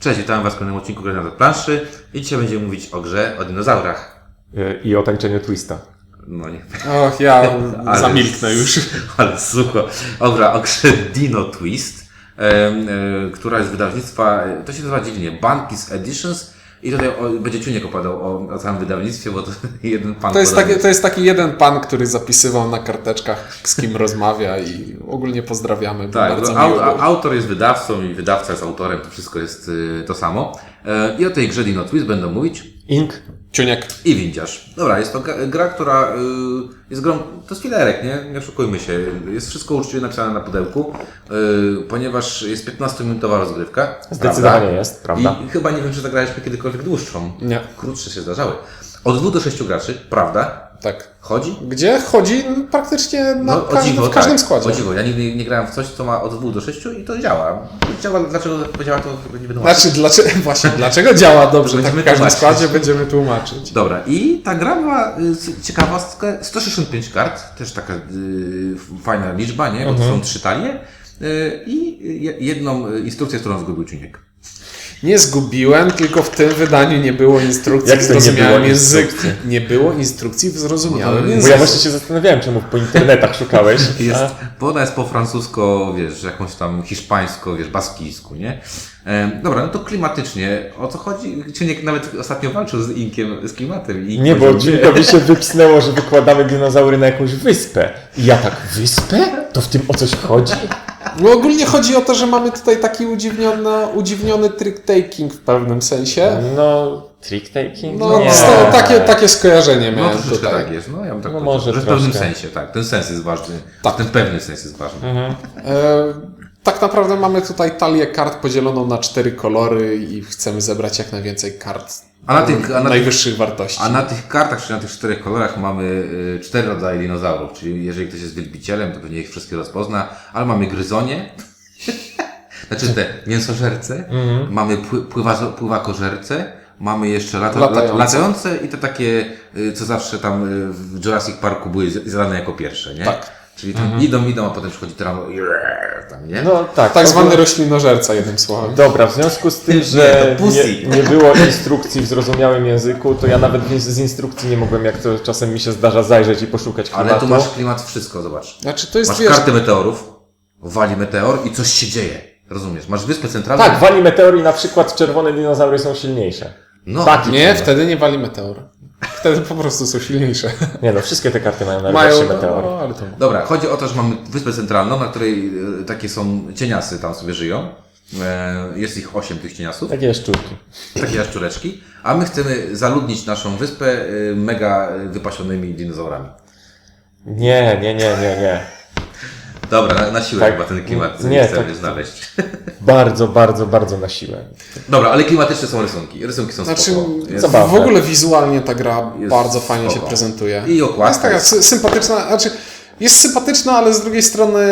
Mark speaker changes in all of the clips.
Speaker 1: Cześć, witam Was w kolejnym odcinku Gry na planszy i dzisiaj będziemy mówić o grze o dinozaurach.
Speaker 2: I o tańczeniu twista.
Speaker 1: No nie.
Speaker 3: Och, ja zamilknę już.
Speaker 1: Ale sucho. Dobra, o grze Dino Twist, która jest z wydawnictwa, to się nazywa dziwnie, Bankies Editions. I tutaj będzie Ciuniek opowiadał o całym wydawnictwie, bo to jeden pan...
Speaker 3: To jest taki jeden pan, który zapisywał na karteczkach, z kim rozmawia i ogólnie pozdrawiamy.
Speaker 1: Tak,
Speaker 3: bardzo
Speaker 1: autor jest wydawcą i wydawca jest autorem, to wszystko jest to samo. I o tej grze Dino Twist będą mówić
Speaker 2: Ink.
Speaker 3: Ciuniek.
Speaker 1: i Windziarz. Dobra, jest to gra, która jest grą, to jest filerek, nie oszukujmy się. Jest wszystko uczciwie napisane na pudełku, ponieważ jest 15-minutowa rozgrywka.
Speaker 2: Zdecydowanie jest, prawda?
Speaker 1: I chyba nie wiem, czy zagraliśmy kiedykolwiek dłuższą.
Speaker 3: Nie.
Speaker 1: Krótsze się zdarzały. Od 2 do 6 graczy, prawda?
Speaker 3: Tak.
Speaker 1: Chodzi?
Speaker 3: Gdzie chodzi praktycznie w każdym składzie.
Speaker 1: O dziwo, ja nigdy nie grałem w coś, co ma od 2 do 6 i to działa. Dlaczego działa, to nie będę
Speaker 3: Znaczy, dlaczego działa dobrze tak w każdym
Speaker 1: tłumaczyć.
Speaker 3: składzie, będziemy tłumaczyć.
Speaker 1: Dobra, i ta gra ma ciekawostkę, 165 kart, też taka fajna liczba, nie? Bo to są 3 talie i jedną instrukcję, którą zgubił Ciuniek.
Speaker 3: Nie zgubiłem, tylko w tym wydaniu nie było instrukcji
Speaker 2: Jak
Speaker 3: w
Speaker 2: to nie
Speaker 3: zrozumiałym
Speaker 2: było
Speaker 3: języku.
Speaker 2: instrukcji?
Speaker 3: Nie było instrukcji w zrozumiałym
Speaker 1: Bo
Speaker 2: Bo
Speaker 3: języku.
Speaker 2: ja właśnie się zastanawiałem, czemu po internetach szukałeś.
Speaker 1: Bo ona jest po francusko, wiesz, jakąś tam hiszpańsko, wiesz, baskijsku, nie? Dobra, no to klimatycznie. O co chodzi? Ciuniek nawet ostatnio walczył z Inkiem, z klimatem.
Speaker 2: Nie, bo Dźwiękowi się wypsnęło, że wykładamy dinozaury na jakąś wyspę. I ja tak, wyspę? To w tym o coś chodzi?
Speaker 3: No ogólnie chodzi o to, że mamy tutaj taki udziwniony trick-taking w pewnym sensie.
Speaker 2: No, trick-taking?
Speaker 3: No,
Speaker 2: Nie.
Speaker 3: takie skojarzenie
Speaker 1: No
Speaker 3: miałem
Speaker 1: troszeczkę
Speaker 3: tutaj.
Speaker 1: tak jest, no ja bym tak
Speaker 2: No
Speaker 1: powiedział,
Speaker 2: może
Speaker 1: że w pewnym
Speaker 2: troszkę.
Speaker 1: sensie, tak. Ten sens jest ważny.
Speaker 3: Tak.
Speaker 1: Ten pewny sens jest ważny.
Speaker 3: Tak naprawdę mamy tutaj talię kart podzieloną na 4 kolory i chcemy zebrać jak najwięcej kart najwyższych wartości.
Speaker 1: A na tych kartach, czyli na tych 4 kolorach mamy 4 rodzaje dinozaurów, czyli jeżeli ktoś jest wielbicielem, to pewnie ich wszystkie rozpozna, ale mamy gryzonie, znaczy te mięsożerce, mamy pływakożerce, mamy jeszcze latające i te takie, co zawsze tam w Jurassic Parku były zjadane jako pierwsze, nie?
Speaker 3: Tak.
Speaker 1: Czyli tam idą, a potem przychodzi tyrano tam, nie?
Speaker 2: No tak.
Speaker 3: Tak zwany roślinożerca, jednym słowem.
Speaker 2: Dobra, w związku z tym, że
Speaker 1: to pussy.
Speaker 2: nie było instrukcji w zrozumiałym języku, to ja nawet z instrukcji nie mogłem, jak to czasem mi się zdarza, zajrzeć i poszukać klimatu.
Speaker 1: Ale tu masz klimat wszystko, zobacz.
Speaker 3: Znaczy to jest,
Speaker 1: Masz kartę meteorów, wali meteor i coś się dzieje. Rozumiesz? Masz wyspę centralną.
Speaker 2: Tak, wali meteor i na przykład czerwone dinozaury są silniejsze.
Speaker 1: No,
Speaker 2: Tak.
Speaker 3: Nie, wtedy nie wali meteor. Wtedy po prostu są silniejsze.
Speaker 2: Nie no, wszystkie te karty mają najlepszy meteor.
Speaker 3: No, ale to...
Speaker 1: Dobra, chodzi o to, że mamy wyspę centralną, na której takie są cieniasy tam sobie żyją. Jest ich 8 tych cieniasów,
Speaker 2: Takie jaszczurki.
Speaker 1: takie jaszczureczki, a my chcemy zaludnić naszą wyspę mega wypasionymi dinozaurami.
Speaker 2: Nie.
Speaker 1: Dobra, na siłę
Speaker 2: Tak,
Speaker 1: chyba ten klimat
Speaker 2: nie,
Speaker 1: chcemy
Speaker 2: tak.
Speaker 1: znaleźć.
Speaker 2: Bardzo na siłę.
Speaker 1: Dobra, ale klimatyczne są rysunki. Rysunki są
Speaker 3: Znaczy,
Speaker 1: spoko. Jest,
Speaker 2: zabawne.
Speaker 3: w ogóle wizualnie ta gra
Speaker 1: Jest
Speaker 3: bardzo fajnie
Speaker 1: spoko.
Speaker 3: się prezentuje.
Speaker 1: I okładka
Speaker 3: Jest taka
Speaker 1: jest-
Speaker 3: sympatyczna, znaczy jest sympatyczna, ale z drugiej strony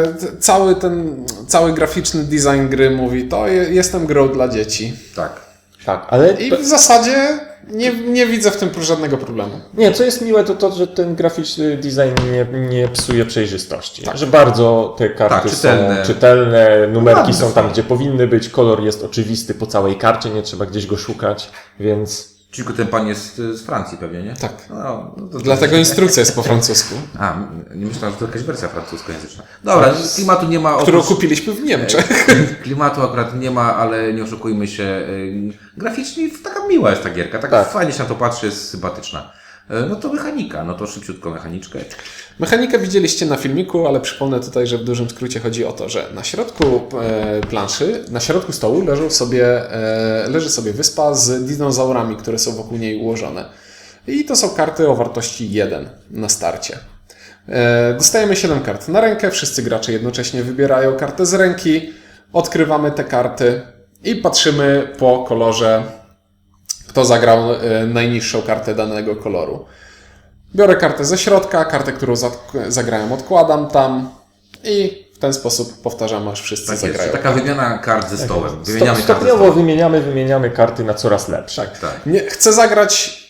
Speaker 3: cały graficzny design gry mówi, to jestem grą dla dzieci.
Speaker 1: tak.
Speaker 2: Tak, ale...
Speaker 3: I w zasadzie nie widzę w tym żadnego problemu.
Speaker 2: Nie, co jest miłe, to że ten graficzny design nie psuje przejrzystości. Że bardzo te karty
Speaker 1: Tak, czytelne.
Speaker 2: są czytelne, numerki
Speaker 1: Ładne
Speaker 2: są
Speaker 1: są.
Speaker 2: tam, gdzie powinny być, kolor jest oczywisty po całej karcie, nie trzeba gdzieś go szukać, więc...
Speaker 1: Tylko ten pan jest z Francji pewnie, nie?
Speaker 3: Tak.
Speaker 1: No, to
Speaker 3: Dlatego instrukcja jest po francusku,
Speaker 1: A, nie myślałem, że to jakaś wersja francuskojęzyczna. Dobra, klimatu nie ma.
Speaker 3: którą kupiliśmy w Niemczech.
Speaker 1: Klimatu akurat nie ma, ale nie oszukujmy się. Graficznie taka miła jest ta gierka, tak,
Speaker 2: Tak.
Speaker 1: fajnie się na to patrzy, jest sympatyczna. No to mechanika, no to szybciutko mechaniczkę.
Speaker 3: Mechanikę widzieliście na filmiku, ale przypomnę tutaj, że w dużym skrócie chodzi o to, że na środku planszy, na środku stołu leży sobie wyspa z dinozaurami, które są wokół niej ułożone. I to są karty o wartości 1 na starcie. Dostajemy 7 kart na rękę, wszyscy gracze jednocześnie wybierają kartę z ręki, odkrywamy te karty i patrzymy po kolorze, kto zagrał najniższą kartę danego koloru. Biorę kartę ze środka, kartę, którą zagrałem, odkładam tam i w ten sposób powtarzam, aż wszyscy
Speaker 1: Tak jest.
Speaker 3: zagrają.
Speaker 1: Taka wymiana kart ze stołem. Wymieniamy karty ze
Speaker 2: Stopniowo
Speaker 1: stołem.
Speaker 2: wymieniamy karty na coraz lepsze.
Speaker 1: Tak.
Speaker 3: Nie, chcę zagrać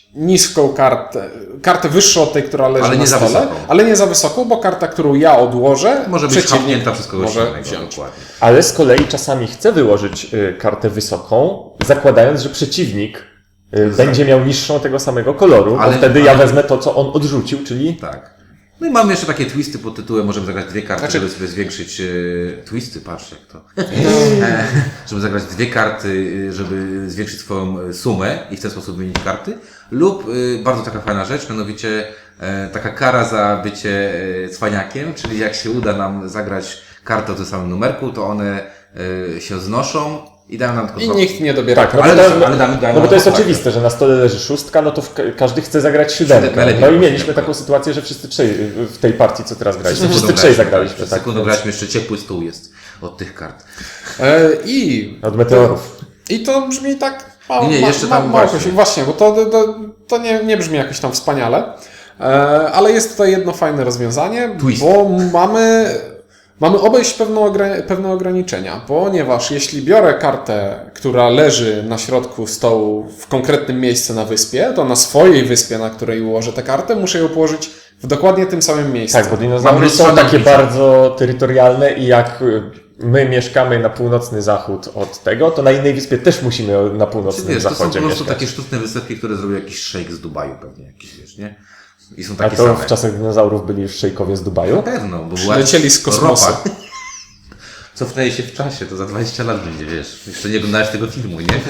Speaker 3: niską kartę wyższą od tej, która leży
Speaker 1: Ale
Speaker 3: na
Speaker 1: nie za
Speaker 3: stole,
Speaker 1: wysoką.
Speaker 3: ale nie za wysoką, bo karta, którą ja odłożę,
Speaker 1: Może być
Speaker 3: przeciwnik
Speaker 1: chapnięta przez kogoś
Speaker 3: może
Speaker 1: innego.
Speaker 3: wziąć.
Speaker 1: Dokładnie.
Speaker 2: Ale z kolei czasami chcę wyłożyć kartę wysoką, zakładając, że przeciwnik będzie miał niższą tego samego koloru,
Speaker 1: Ale-
Speaker 2: bo wtedy ja
Speaker 1: ale-
Speaker 2: wezmę to, co on odrzucił, czyli
Speaker 1: Tak. No i mamy jeszcze takie twisty pod tytułem, możemy zagrać dwie karty,
Speaker 3: Znaczy-
Speaker 1: żeby sobie zwiększyć twisty, patrz jak to. Żeby zagrać dwie karty, żeby zwiększyć swoją sumę i w ten sposób wymienić karty. Lub bardzo taka fajna rzecz, mianowicie taka kara za bycie cwaniakiem, czyli jak się uda nam zagrać kartę o tym samym numerku, to one się znoszą i dają nam tylko
Speaker 3: I
Speaker 1: dwa-
Speaker 3: nikt nie dobiera.
Speaker 2: tak, no
Speaker 1: Ale
Speaker 2: bo,
Speaker 1: damy-
Speaker 2: no bo to jest
Speaker 1: tak.
Speaker 2: oczywiste, że na stole leży szóstka, no to każdy chce zagrać siódemkę.
Speaker 1: Najlepiej
Speaker 2: No i
Speaker 1: było
Speaker 2: mieliśmy
Speaker 1: siódemkę.
Speaker 2: taką sytuację, że wszyscy trzej w tej partii, co teraz graliśmy, wszyscy
Speaker 1: Sekundą
Speaker 2: trzej
Speaker 1: graliśmy,
Speaker 2: zagraliśmy.
Speaker 1: Przez
Speaker 2: Tak,
Speaker 1: sekundę
Speaker 2: więc
Speaker 1: graliśmy, jeszcze ciepły stół jest od tych kart.
Speaker 2: od meteorów.
Speaker 3: I to brzmi tak
Speaker 1: Nie, jeszcze tam właśnie.
Speaker 3: właśnie, bo to nie brzmi jakoś tam wspaniale, ale jest tutaj jedno fajne rozwiązanie,
Speaker 1: Twist.
Speaker 3: bo mamy obejść pewne ograniczenia, ponieważ jeśli biorę kartę, która leży na środku stołu w konkretnym miejscu na wyspie, to na swojej wyspie, na której ułożę tę kartę, muszę ją położyć w dokładnie tym samym miejscu.
Speaker 2: Tak, bo dinozaury
Speaker 1: Mam
Speaker 2: są takie
Speaker 1: lustrzane
Speaker 2: bardzo terytorialne i jak my mieszkamy na północny zachód od tego, to na innej wyspie też musimy na północnym
Speaker 1: Wiesz, to są po
Speaker 2: zachodzie
Speaker 1: prostu
Speaker 2: mieszkać.
Speaker 1: takie sztuczne wysepki, które zrobił jakiś szejk z Dubaju pewnie jakiś, wiesz, nie? I są
Speaker 2: A
Speaker 1: takie
Speaker 2: to
Speaker 1: same.
Speaker 2: w czasach dinozaurów byli już szejkowie z Dubaju?
Speaker 1: Na pewno, bo była
Speaker 3: Przylecieli z kosmosu.
Speaker 1: ropa. Cofnęli się w czasie, to za 20 lat będzie, wiesz. Jeszcze nie oglądałeś tego filmu, nie?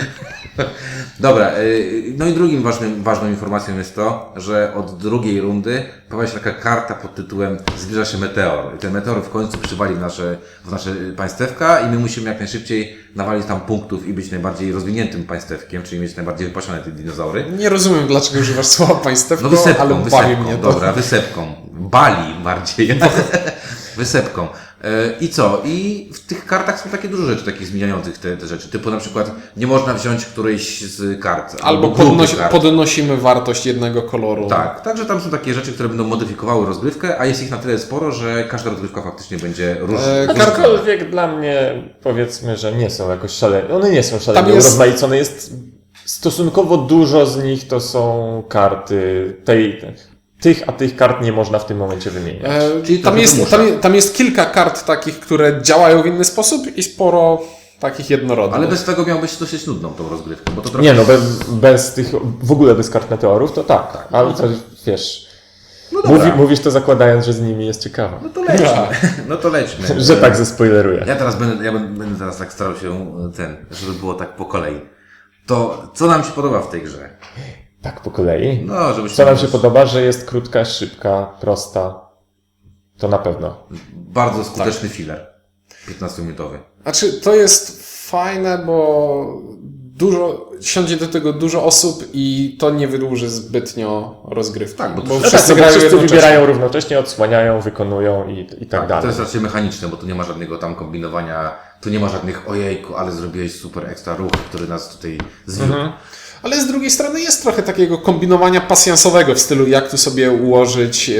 Speaker 1: Dobra, no i drugim ważną informacją jest to, że od drugiej rundy pojawia się taka karta pod tytułem Zbliża się meteor. I ten meteor w końcu przywali w nasze państewka i my musimy jak najszybciej nawalić tam punktów i być najbardziej rozwiniętym państewkiem, czyli mieć najbardziej wypasione te dinozaury.
Speaker 3: Nie rozumiem, dlaczego używasz słowa państewko,
Speaker 1: No wysepką,
Speaker 3: ale bawi
Speaker 1: wysepką,
Speaker 3: mnie to.
Speaker 1: dobra, wysepką. Bali bardziej. Wysepką. I co? I w tych kartach są takie dużo rzeczy takich zmieniających te rzeczy. Typu na przykład nie można wziąć którejś z kart.
Speaker 3: Albo
Speaker 1: grupy kart.
Speaker 3: podnosimy wartość jednego koloru.
Speaker 1: Tak, także tam są takie rzeczy, które będą modyfikowały rozgrywkę, a jest ich na tyle sporo, że każda rozgrywka faktycznie będzie różna.
Speaker 2: Aczkolwiek dla mnie powiedzmy, że nie są jakoś szalenie. One nie są szalenie
Speaker 3: Tam jest-
Speaker 2: urozmaicone. Jest stosunkowo dużo z nich to są karty tych, a tych kart nie można w tym momencie wymieniać.
Speaker 1: Czyli
Speaker 3: Tam
Speaker 1: trochę
Speaker 3: jest,
Speaker 1: wymusza.
Speaker 3: tam jest kilka kart takich, które działają w inny sposób i sporo takich jednorodnych.
Speaker 1: Ale bez tego miałbyś dosyć nudną tą rozgrywkę, bo to trochę...
Speaker 2: Nie no, bez tych, w ogóle bez kart meteorów to tak. Ale to wiesz,
Speaker 1: No dobra,
Speaker 2: mówisz to zakładając, że z nimi jest ciekawa.
Speaker 1: no to lećmy. No to lećmy.
Speaker 2: Że tak zespoileruję.
Speaker 1: Ja teraz będę teraz tak starał się żeby było tak po kolei. To co nam się podoba w tej grze?
Speaker 2: Tak po kolei.
Speaker 1: No, żebyśmy...
Speaker 2: Co nam się podoba, że jest krótka, szybka, prosta. To na pewno.
Speaker 1: Bardzo skuteczny filler. 15-minutowy.
Speaker 3: Znaczy, to jest fajne, bo siądzie do tego dużo osób i to nie wydłuży zbytnio rozgrywki.
Speaker 1: Tak, bo to-
Speaker 3: bo
Speaker 1: no
Speaker 2: No
Speaker 3: wszyscy
Speaker 2: tak, bo
Speaker 3: grają
Speaker 2: wszyscy
Speaker 3: jednocześnie.
Speaker 2: wybierają równocześnie, odsłaniają, wykonują i tak
Speaker 1: To
Speaker 2: dalej.
Speaker 1: jest raczej mechaniczne, bo tu nie ma żadnego tam kombinowania, tu nie ma żadnych ojejku, ale zrobiłeś super ekstra ruch, który nas tutaj zwiódł.
Speaker 3: Ale z drugiej strony jest trochę takiego kombinowania pasjansowego w stylu, jak tu sobie ułożyć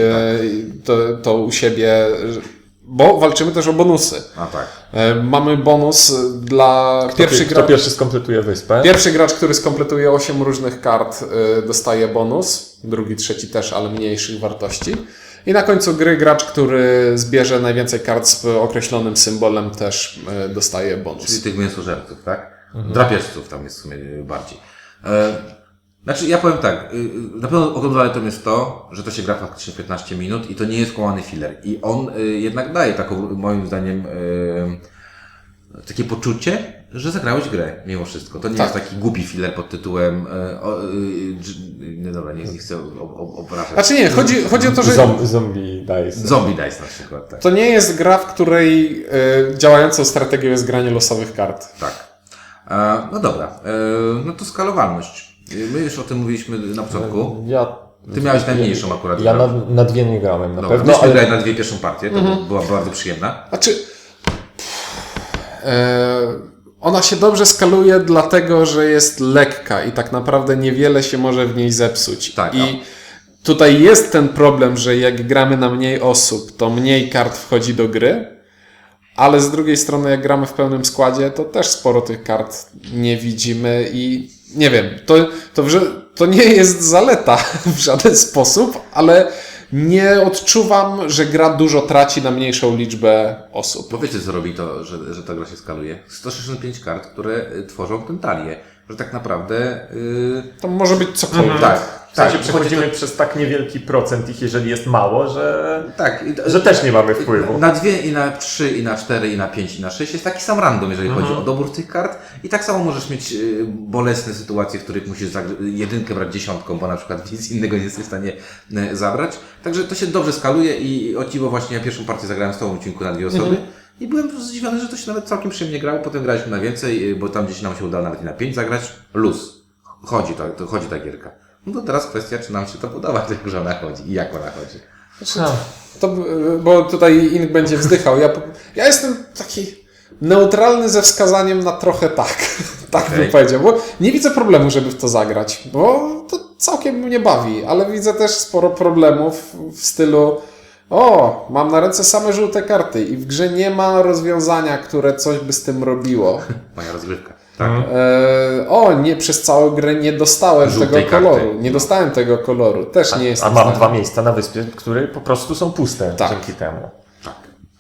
Speaker 3: to u siebie, bo walczymy też o bonusy.
Speaker 1: A tak.
Speaker 3: Mamy bonus dla
Speaker 2: Kto pierwszy skompletuje wyspę?
Speaker 3: Pierwszy gracz, który skompletuje 8 różnych kart, dostaje bonus. Drugi, trzeci też, ale mniejszych wartości. I na końcu gry gracz, który zbierze najwięcej kart z określonym symbolem, też dostaje bonus.
Speaker 1: Czyli tych mięsożerców, tak? Drapieżców tam jest w sumie bardziej. Znaczy, ja powiem tak, na pewno ogromną zaletą jest to, że to się gra faktycznie 15 minut i to nie jest kłamany filler. I on jednak daje taką, moim zdaniem, takie poczucie, że zagrałeś grę mimo wszystko. To nie jest taki głupi filler pod tytułem no dobra, nie chcę obrażać.
Speaker 3: Znaczy nie, chodzi o to, że
Speaker 2: Zombie Dice.
Speaker 1: Zombie Dice na przykład, tak.
Speaker 3: to nie jest gra, w której działającą strategią jest granie losowych kart.
Speaker 1: Tak. No dobra, no to skalowalność. My już o tym mówiliśmy na początku. Ty miałeś najmniejszą akurat.
Speaker 2: Ja na dwie nie grałem na
Speaker 1: Dobra,
Speaker 2: pewno,
Speaker 1: myśmy
Speaker 2: ale
Speaker 1: grali na dwie pierwszą partię, to była bardzo przyjemna.
Speaker 3: Znaczy, ona się dobrze skaluje dlatego, że jest lekka i tak naprawdę niewiele się może w niej zepsuć.
Speaker 1: Tak,
Speaker 3: I tutaj jest ten problem, że jak gramy na mniej osób, to mniej kart wchodzi do gry, ale z drugiej strony jak gramy w pełnym składzie, to też sporo tych kart nie widzimy i nie wiem, to nie jest zaleta w żaden sposób, ale nie odczuwam, że gra dużo traci na mniejszą liczbę osób.
Speaker 1: Bo wiecie, co robi to, że ta gra się skaluje? 165 kart, które tworzą tę talię. Że tak naprawdę...
Speaker 3: To może być cokolwiek.
Speaker 1: Tak.
Speaker 2: W sensie
Speaker 1: Tak,
Speaker 2: przechodzimy
Speaker 1: chodzi
Speaker 2: przez tak niewielki procent ich, jeżeli jest mało, że,
Speaker 1: Tak.
Speaker 2: że też nie mamy wpływu.
Speaker 1: Na 2, i na 3, i na 4, i na 5, i na 6 jest taki sam random, jeżeli chodzi o dobór tych kart. I tak samo możesz mieć bolesne sytuacje, w których musisz jedynkę brać dziesiątką, bo na przykład nic innego nie jesteś w stanie zabrać. Także to się dobrze skaluje i o dziwo właśnie ja pierwszą partię zagrałem z tobą w odcinku na 2 osoby. I byłem zdziwiony, że to się nawet całkiem przyjemnie grało. Potem graliśmy na więcej, bo tam gdzieś nam się udało nawet i na 5 zagrać. Luz. Chodzi ta gierka. No to teraz kwestia, czy nam się to podoba, jak że ona chodzi i jak ona chodzi.
Speaker 3: To, bo tutaj Ink będzie wzdychał. Ja jestem taki neutralny ze wskazaniem na trochę tak. Tak bym powiedział. Bo nie widzę problemu, żeby w to zagrać. Bo to całkiem mnie bawi. Ale widzę też sporo problemów w stylu mam na ręce same żółte karty i w grze nie ma rozwiązania, które coś by z tym robiło.
Speaker 1: Moja rozgrywka. Tak.
Speaker 3: Nie, przez całą grę nie dostałem
Speaker 1: Żółtej
Speaker 3: tego koloru.
Speaker 1: karty.
Speaker 3: Nie dostałem tego koloru. Też nie jestem
Speaker 2: A
Speaker 3: w
Speaker 2: mam
Speaker 3: stanie.
Speaker 2: 2 miejsca na wyspie, które po prostu są puste
Speaker 3: Tak.
Speaker 2: dzięki temu.
Speaker 1: Tak.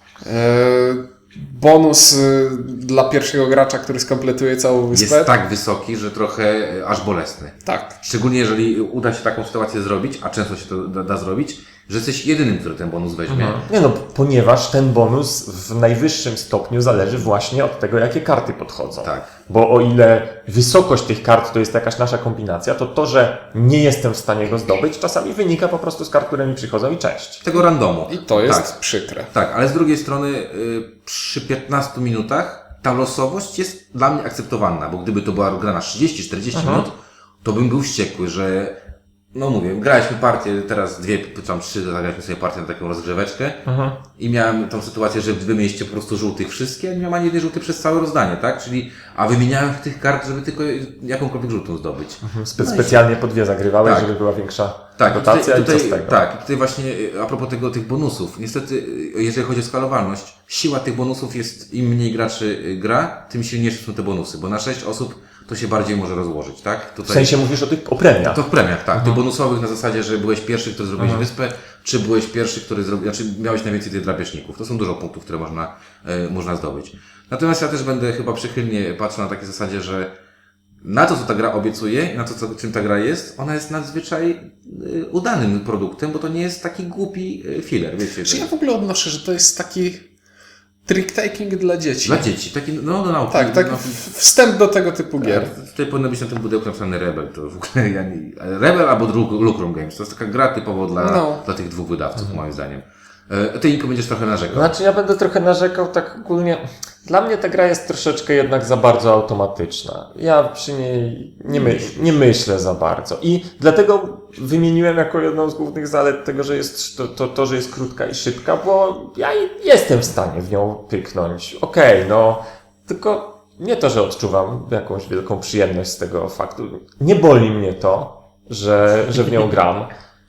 Speaker 3: Bonus dla pierwszego gracza, który skompletuje całą wyspę.
Speaker 1: Jest tak wysoki, że trochę aż bolesny.
Speaker 3: Tak.
Speaker 1: Szczególnie jeżeli uda się taką sytuację zrobić, a często się to da zrobić, że jesteś jedynym, który ten bonus weźmie.
Speaker 2: Nie no, ponieważ ten bonus w najwyższym stopniu zależy właśnie od tego, jakie karty podchodzą.
Speaker 1: Tak.
Speaker 2: Bo o ile wysokość tych kart to jest jakaś nasza kombinacja, to, że nie jestem w stanie go zdobyć, czasami wynika po prostu z kart, które mi przychodzą i cześć.
Speaker 1: Tego randomu.
Speaker 3: I to jest
Speaker 1: Tak.
Speaker 3: przykre.
Speaker 1: Tak, ale z drugiej strony przy 15 minutach ta losowość jest dla mnie akceptowalna, bo gdyby to była gra na 30-40 minut, to bym był wściekły, że no mówię, graliśmy partię, teraz 2 czy tam 3, zagraliśmy sobie partię na taką rozgrzeweczkę i miałem tą sytuację, że wy mieliście po prostu żółtych wszystkie, a nie miałem ani jednej żółtej przez całe rozdanie, tak? Czyli, a wymieniałem tych kart, żeby tylko jakąkolwiek żółtą zdobyć.
Speaker 2: Specjalnie po 2 zagrywałeś,
Speaker 1: Tak.
Speaker 2: żeby była większa
Speaker 1: Tak,
Speaker 2: rotacja i co z tego?
Speaker 1: Tak, i tutaj właśnie a propos tych bonusów. Niestety, jeżeli chodzi o skalowalność, siła tych bonusów jest, im mniej graczy gra, tym silniejsze są te bonusy, bo na 6 osób to się bardziej może rozłożyć, tak? Tutaj,
Speaker 2: W sensie mówisz o premiach.
Speaker 1: to w premiach, tak. Tych bonusowych na zasadzie, że byłeś pierwszy, który zrobiłeś wyspę, czy byłeś pierwszy, który zrobił, znaczy miałeś najwięcej tych drapieżników. To są dużo punktów, które można zdobyć. Natomiast ja też będę chyba przychylnie patrzył na takiej zasadzie, że na to, co ta gra obiecuje i na to, czym ta gra jest, ona jest nadzwyczaj udanym produktem, bo to nie jest taki głupi filler, wiecie.
Speaker 3: Czy ja w ogóle odnoszę, że to jest taki trick-taking dla dzieci?
Speaker 1: Dla dzieci, taki, no do nauki.
Speaker 3: Tak, tak.
Speaker 1: No,
Speaker 3: Wstęp do tego typu gier.
Speaker 1: tutaj powinno być na tym pudełku napisane Rebel, to w ogóle Rebel albo Lucrum Games, to jest taka gra typowo dla tych dwóch wydawców, moim zdaniem. Ty, Inko, będziesz trochę narzekał.
Speaker 2: Znaczy ja będę trochę narzekał tak ogólnie. Dla mnie ta gra jest troszeczkę jednak za bardzo automatyczna. Ja przy niej nie myślę za bardzo. I dlatego wymieniłem jako jedną z głównych zalet tego, że jest to, że jest krótka i szybka, bo ja jestem w stanie w nią pyknąć. Okej, no, tylko nie to, że odczuwam jakąś wielką przyjemność z tego faktu. Nie boli mnie to, że w nią gram,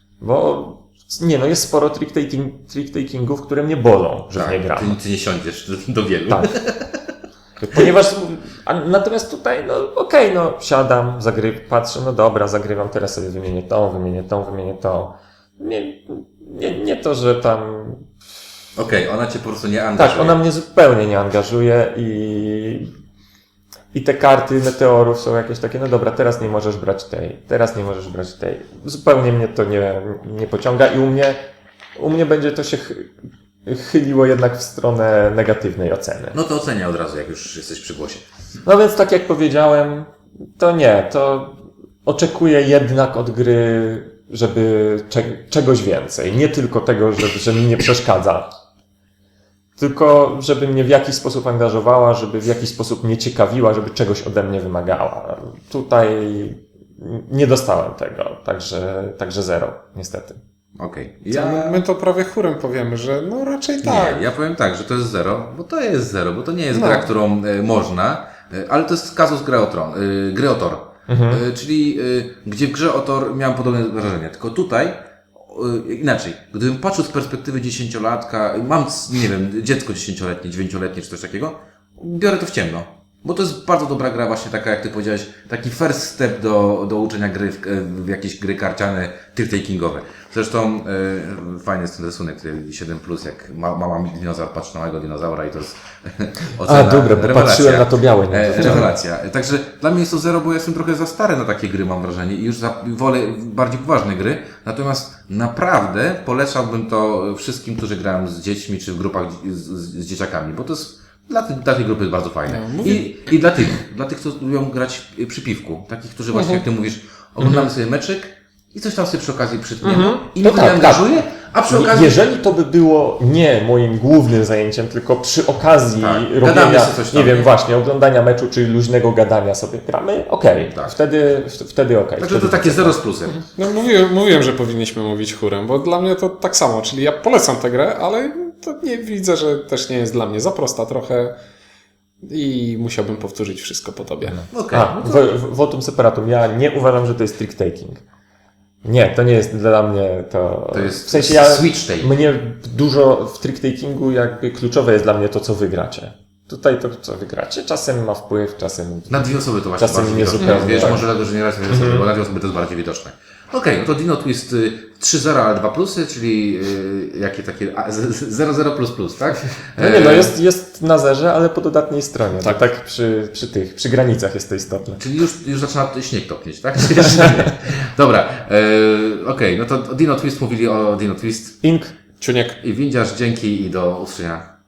Speaker 2: bo nie, no jest sporo trick-takingów, które mnie bolą, że w nie gram.
Speaker 1: Ty nie siądziesz do wielu.
Speaker 2: Tak. Ponieważ, natomiast tutaj, no okej, no siadam, patrzę, no dobra, zagrywam, teraz sobie wymienię tą. Nie to, że tam...
Speaker 1: Okej, ona cię po prostu nie angażuje.
Speaker 2: Tak, ona mnie zupełnie nie angażuje i te karty meteorów są jakieś takie, no dobra, teraz nie możesz brać tej. Zupełnie mnie to nie pociąga i u mnie będzie to się chyliło jednak w stronę negatywnej oceny.
Speaker 1: No to ocenię od razu, jak już jesteś przy głosie.
Speaker 2: No więc tak jak powiedziałem, to oczekuję jednak od gry, żeby czegoś więcej. Nie tylko tego, że mi nie przeszkadza. Tylko, żeby mnie w jakiś sposób angażowała, żeby w jakiś sposób mnie ciekawiła, żeby czegoś ode mnie wymagała. Tutaj nie dostałem tego, także 0, niestety.
Speaker 1: Okej.
Speaker 3: My to prawie chórem powiemy, że no raczej tak.
Speaker 1: Nie, ja powiem tak, że to jest 0, bo to jest 0, bo to nie jest gra, którą można, ale to jest kazus gry o Tor. Czyli gdzie w grze o Tor miałem podobne wrażenie, tylko tutaj inaczej. Gdybym patrzył z perspektywy 10-latka, mam, nie wiem, dziecko 10-letnie, 9-letnie czy coś takiego, biorę to w ciemno. Bo to jest bardzo dobra gra właśnie taka, jak ty powiedziałeś, taki first step do uczenia gry w jakieś gry karciane, trick-takingowe. Zresztą fajny jest ten rysunek, który 7+, jak mama dinozaur patrzy na małego dinozaura i to jest ocena,
Speaker 2: dobra, bo
Speaker 1: rewelacja.
Speaker 2: patrzyłem na to białe.
Speaker 1: Rewelacja. Także dla mnie jest to zero, bo ja jestem trochę za stary na takie gry, mam wrażenie, i już wolę bardziej poważne gry. Natomiast naprawdę polecałbym to wszystkim, którzy grają z dziećmi, czy w grupach z dzieciakami, bo to jest dla tej grupy jest bardzo fajne.
Speaker 3: No,
Speaker 1: I dla tych, co lubią grać przy piwku. Takich, którzy właśnie, jak ty mówisz, oglądamy sobie meczek i coś tam sobie przy okazji przytniemy. I
Speaker 2: To
Speaker 1: mnie
Speaker 2: tak,
Speaker 1: angażuje, a przy okazji...
Speaker 2: Jeżeli to by było nie moim głównym zajęciem, tylko przy okazji
Speaker 1: Tak, gadamy
Speaker 2: robienia,
Speaker 1: sobie coś tam,
Speaker 2: nie wiem,
Speaker 1: nie?
Speaker 2: właśnie, oglądania meczu, czy luźnego gadania sobie gramy, okej,
Speaker 1: Tak.
Speaker 2: wtedy okej.
Speaker 1: Także to takie zero z plusem.
Speaker 3: No mówiłem, że powinniśmy mówić chórem, bo dla mnie to tak samo, czyli ja polecam tę grę, ale to nie widzę, że też nie jest dla mnie za prosta trochę i musiałbym powtórzyć wszystko po tobie.
Speaker 1: Okej.
Speaker 2: Votum separatum. Ja nie uważam, że to jest trick-taking. Nie, to nie jest dla mnie to...
Speaker 1: To jest
Speaker 2: w sensie ja,
Speaker 1: switch take.
Speaker 2: mnie dużo w trick-takingu jakby kluczowe jest dla mnie to, co wygracie. Tutaj to, co wygracie, czasem ma wpływ, czasem...
Speaker 1: Na dwie osoby to właśnie
Speaker 2: Czasem
Speaker 1: bardziej
Speaker 2: nie
Speaker 1: widoczne.
Speaker 2: zupełnie,
Speaker 1: Wiesz,
Speaker 2: tak.
Speaker 1: może dlatego, że nie raz dwie osoby, bo na dwie osoby to jest bardziej widoczne. Okej, no to Dino Twist 3-0, ale 2 plusy, czyli jakie takie 0-0++, tak?
Speaker 2: No nie, no jest na zerze, ale po dodatniej stronie. Tak przy granicach jest to istotne.
Speaker 1: Czyli już zaczyna śnieg topnieć, tak? Dobra, okej, no to Dino Twist mówili o Dino Twist
Speaker 2: Ink.
Speaker 3: Ciuniek.
Speaker 1: i Windziarz, dzięki i do usłyszenia